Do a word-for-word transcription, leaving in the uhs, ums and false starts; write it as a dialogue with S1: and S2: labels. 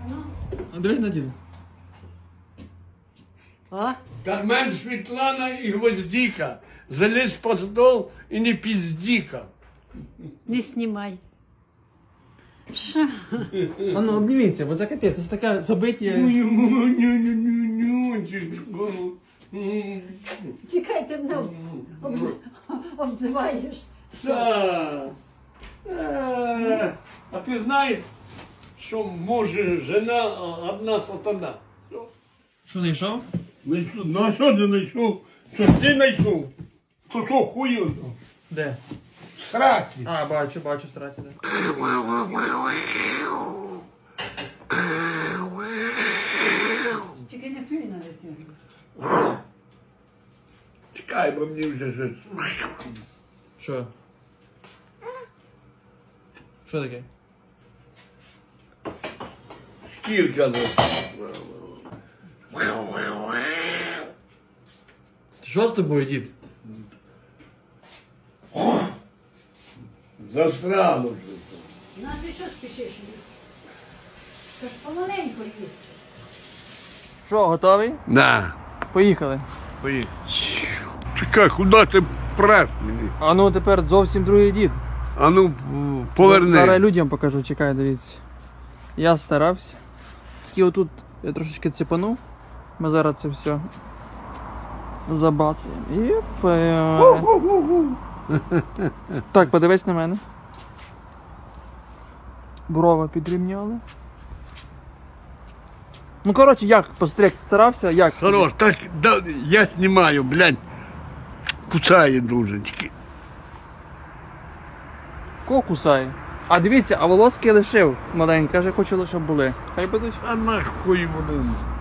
S1: А дивись на діда.
S2: О,
S3: Кармен, Светлана и Гвоздика. Залезь под стол и не пиздика.
S2: не знімай. Що?
S1: А ну обніміться, бо це капець, це ж таке забиття.
S2: Чекай, ти мене об- обзиваєш.
S3: Да. Э, А ты знаешь, что муж и жена одна сатана?
S1: Що, знайшов?
S3: Найшов. Ну а що ти знайшов? Що ж ти знайшов? То що хую?
S1: Де?
S3: Сраки.
S1: А, бачу, бачу, страці, де.
S2: Тільки не плюй на дитину.
S3: Чекай, бо мені вже щось.
S1: Що? Що таке?
S3: Шкірка.
S1: Що з тобою, дід?
S3: Засрало вже.
S2: Ну, а ти що спішиш? Це ж помаленьку їсти.
S1: Що, готовий?
S3: Да.
S1: Поїхали.
S3: Поїхали. Чекай, куди ти преш мені?
S1: А ну тепер зовсім другий дід.
S3: А ну, поверни.
S1: Зараз людям покажу, чекай, дивіться. Я старався. Тільки отут я трошечки цепанув. Ми зараз це все забацаємо. І пе- Так, подивись на мене. Брови підрівняли. Ну, коротше, як постриг старався, як?
S3: Хорош, так, да, я знімаю, блядь. Кусає дуже. Тільки.
S1: Кого кусає? А дивіться, а волоски лишив маленькі, каже, хочу лише були. Хай будуть.
S3: А нахуй вони.